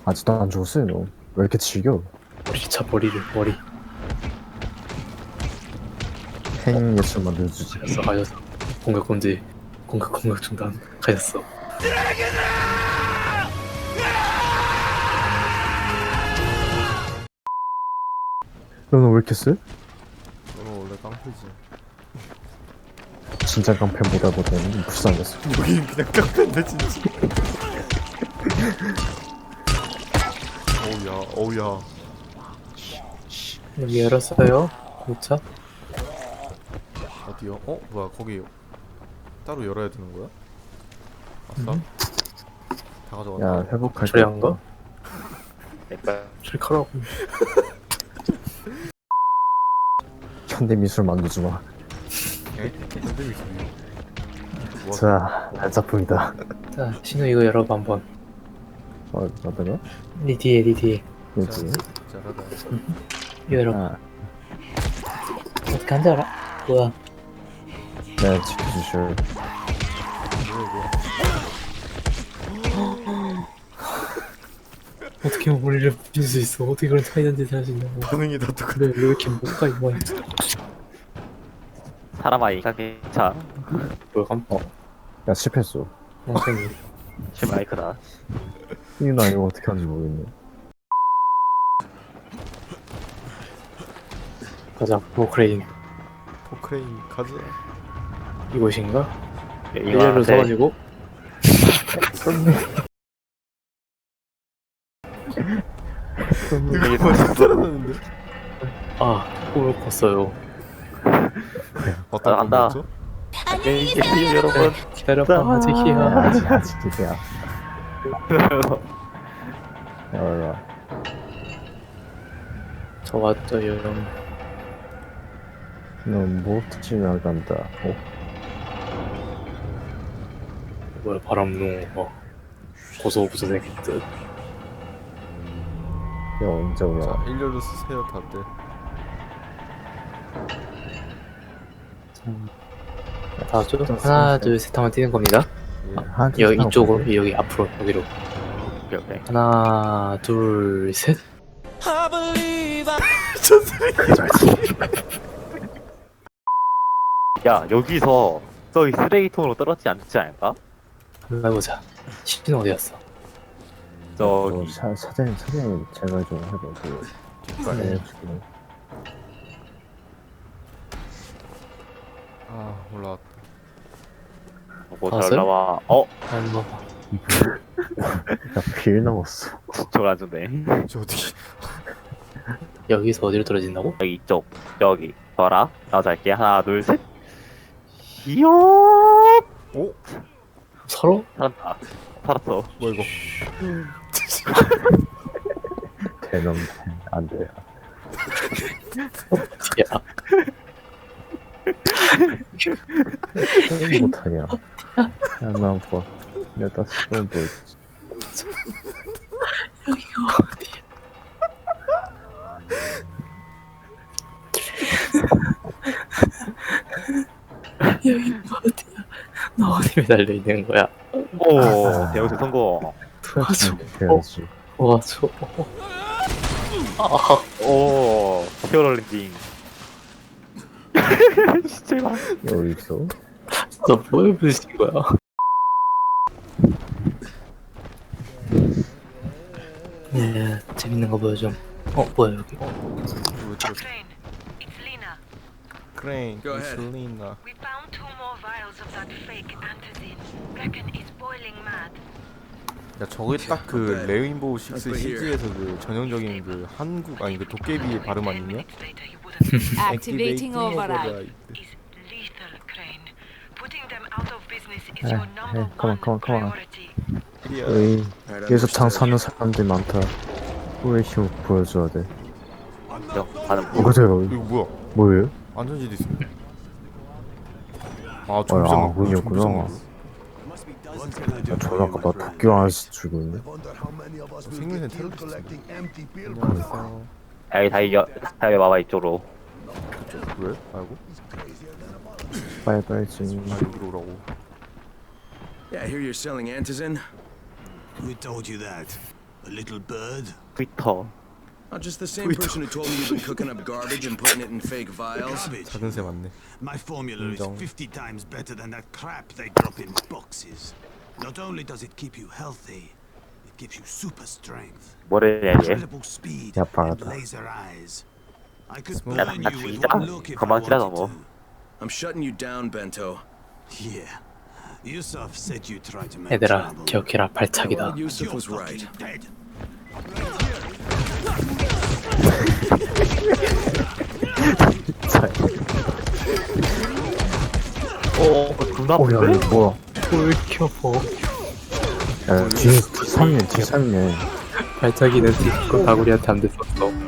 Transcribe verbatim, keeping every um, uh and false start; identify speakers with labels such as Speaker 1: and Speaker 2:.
Speaker 1: 아직도 안 죽었어요 너. 왜 이렇게 즐겨?
Speaker 2: 머리차 머리를 머리
Speaker 1: 행 예술 만들어주지.
Speaker 2: 가졌어 가졌어 공격 금지 공격 공격 중단 가졌어.
Speaker 1: 너는 왜 이렇게 쎄?
Speaker 3: 너는 원래 깡패지.
Speaker 1: 진짜 깡패보다 보다는 불쌍했어.
Speaker 3: 여긴 그냥 깡패인데 진짜. 어우야 어우야.
Speaker 2: 여기 열었어요. 고차
Speaker 3: 어디요? 어? 뭐야 거기 따로 열어야 되는 거야? 아싸.
Speaker 2: 음.
Speaker 3: 다 가져갔다.
Speaker 1: 야 회복할
Speaker 2: 저리 한 거?
Speaker 4: 내꺼
Speaker 2: 실컷하고
Speaker 1: 현대미술 만들지 마.
Speaker 3: 에? 선생님이 소리. 뭐
Speaker 1: 자, 난작품이다.
Speaker 2: 자 신우 이거 열어봐 한번.
Speaker 1: 어, 어떤가?
Speaker 2: 니 뒤에 니 뒤에
Speaker 1: 뭐지?
Speaker 3: 잘하다.
Speaker 2: 이거 열어.
Speaker 1: 아,
Speaker 2: 어떻게 한줄 알아? 뭐야?
Speaker 1: 네, 지켜주실.
Speaker 3: 뭐야
Speaker 2: 어떻게 머리를 부릴 수 있어? 어떻게 그런 차이난 짓을 할 수 있냐고.
Speaker 3: 이거. 반응이 다 똑같아.
Speaker 2: 근데 왜 이렇게 뭔가 이거
Speaker 4: 사람아 이가게 차
Speaker 2: 뭐야 깜빡.
Speaker 1: 야, 실패했어.
Speaker 2: 선생님
Speaker 4: 실마이크다.
Speaker 1: 이나 이거 어떻게 하는지 모르겠네.
Speaker 2: 가자 포크레인
Speaker 3: 포크레인 가자.
Speaker 2: 이곳인가?
Speaker 4: 이거
Speaker 2: 일렬로 서가지고
Speaker 3: 누가 먼저 살아났는데?
Speaker 2: 아 꿈을 꿨어요.
Speaker 3: 어떤
Speaker 4: 아, 간다.
Speaker 3: 거였죠?
Speaker 4: 안녕히 계세요 여러분.
Speaker 2: 기다려봐
Speaker 1: 야,
Speaker 2: 아직이야.
Speaker 1: 아직, 아직 기대야. 야, 올라.
Speaker 2: 저 왔어요.
Speaker 1: 너뭐 특집 나간다. 어?
Speaker 2: 뭐야 바람농 어. 고소부서 생긴 듯.
Speaker 1: 야, 언제
Speaker 3: 자
Speaker 1: 오냐?
Speaker 3: 일렬로 쓰세요 다들.
Speaker 2: 다 줘? 하나 둘 셋 하면 뛰는 겁니다.
Speaker 3: 예.
Speaker 1: 한
Speaker 2: 여기 이쪽으로 여기 앞으로 여기로.
Speaker 4: 오케이 오케이.
Speaker 2: 하나 둘 셋.
Speaker 4: 야 여기서 저기 쓰레기통으로 떨어지지 않지 않을까?
Speaker 2: 한번 해보자. 신우 어디 갔어?
Speaker 1: 어,
Speaker 4: 저기
Speaker 1: 사, 사장님, 사장님, 제가 좀 해봐. 그, 뒷발에
Speaker 2: 네.
Speaker 1: 지금.
Speaker 3: 아 올라왔다.
Speaker 4: 뭐잘
Speaker 2: 봤어요?
Speaker 4: 나와. 어?
Speaker 2: 안 봐.
Speaker 1: 나 빌 남았어.
Speaker 4: 저걸 안 주네.
Speaker 3: 저 어디?
Speaker 2: 여기서 어디로 떨어진다고?
Speaker 4: 여기 이쪽 여기 봐라. 나 잘게. 하나 둘 셋. 이야
Speaker 3: 오?
Speaker 2: 서로?
Speaker 4: 살았다. 살았어.
Speaker 3: 뭐야 이거?
Speaker 1: 대놈, 안 돼.
Speaker 2: 야
Speaker 1: 게임 못하냐. 야, 나 봐. 내가 다시 또 보여주지.
Speaker 2: 여기가 어디야? 여기가 어디야? 너 어디 매달려 있는 거야?
Speaker 4: 오 대우수 성공.
Speaker 2: 도와줘.
Speaker 1: 해야지.
Speaker 2: 도와줘. 아,
Speaker 4: 오 히어로 랜딩. 진짜
Speaker 1: 여기 있어?
Speaker 2: 너 뭐에 부딪힌 거야? 네, 재밌는 거 보여줘. 어, 뭐야 여기?
Speaker 3: 왜 들었어?
Speaker 5: Crane, it's Lena.
Speaker 3: 크레인,
Speaker 6: Go ahead.
Speaker 3: 이슬리나.
Speaker 5: We found two more vials of that fake antizin. Brecken is boiling mad.
Speaker 3: 야 저게 딱 그
Speaker 6: Okay.
Speaker 3: 레인보우 식스
Speaker 6: Over here.
Speaker 3: 시즈에서 그 전형적인 그 한국 아니 그 도깨비의 발음 아니냐?
Speaker 5: Minutes later, you wouldn't.
Speaker 7: Activating override.
Speaker 5: is lethal, Crane. Putting them out of business is
Speaker 1: Hey,
Speaker 5: your number
Speaker 1: hey, come on,
Speaker 5: one
Speaker 1: come on, come on.
Speaker 5: priority.
Speaker 1: 여기,
Speaker 6: Alright,
Speaker 1: 여기서 장
Speaker 6: understood.
Speaker 1: 사는 사람들이 많다. 우리 힘 보여줘야 돼.
Speaker 4: 가는
Speaker 1: 어, 그래요.
Speaker 3: 이거 뭐야?
Speaker 1: 뭐예요?
Speaker 3: 안전지대 있어. 아
Speaker 1: 어,
Speaker 3: 좀비장
Speaker 1: 아, 문이었구나. 야, 저는 아까 나 도쿄 안에서 죽고 있네.
Speaker 3: 생명은 테러리스트.
Speaker 4: 여기 다 이겨 다 이겨 봐봐 이쪽으로.
Speaker 3: 왜? 알고?
Speaker 1: 빨리 빨리 지금.
Speaker 3: 나 여기로 오라고.
Speaker 6: Yeah, I hear you're selling antizin. Who told you that? A little bird.
Speaker 4: 트위터.
Speaker 8: Not just the same person who told me you've been cooking up garbage and putting it in fake vials.
Speaker 6: Garbage.
Speaker 3: 작은 새 맞네.
Speaker 6: My formula is
Speaker 3: 인정.
Speaker 6: fifty times better than that crap they drop in boxes. Not only does it keep you healthy, it gives you super strength,
Speaker 4: 뭐래 얘?
Speaker 6: incredible speed,
Speaker 1: 야,
Speaker 6: and
Speaker 1: 빠르다.
Speaker 6: laser eyes. I could
Speaker 3: 야,
Speaker 6: burn
Speaker 4: 나
Speaker 6: you with
Speaker 4: 죽이자?
Speaker 6: one look if I
Speaker 4: 그만 기다려,
Speaker 6: wanted
Speaker 4: 뭐.
Speaker 6: to.
Speaker 8: I'm shutting you down, Bento.
Speaker 6: Yeah. Yusuf said you tried to make
Speaker 2: 얘들아
Speaker 6: trouble.
Speaker 2: 기억해라 발차기다.
Speaker 8: Well, Yusuf
Speaker 6: You're
Speaker 8: was right.
Speaker 6: fucking dead.
Speaker 4: 어, 존나
Speaker 1: 어, 야,
Speaker 4: 아픈데?
Speaker 1: 이거 뭐야?
Speaker 2: 꿀켜보.
Speaker 1: 야, 뒤에, 뒤 삼면, 뒤 삼면.
Speaker 2: 발차기는 디스코 다구리한테 안 됐었어.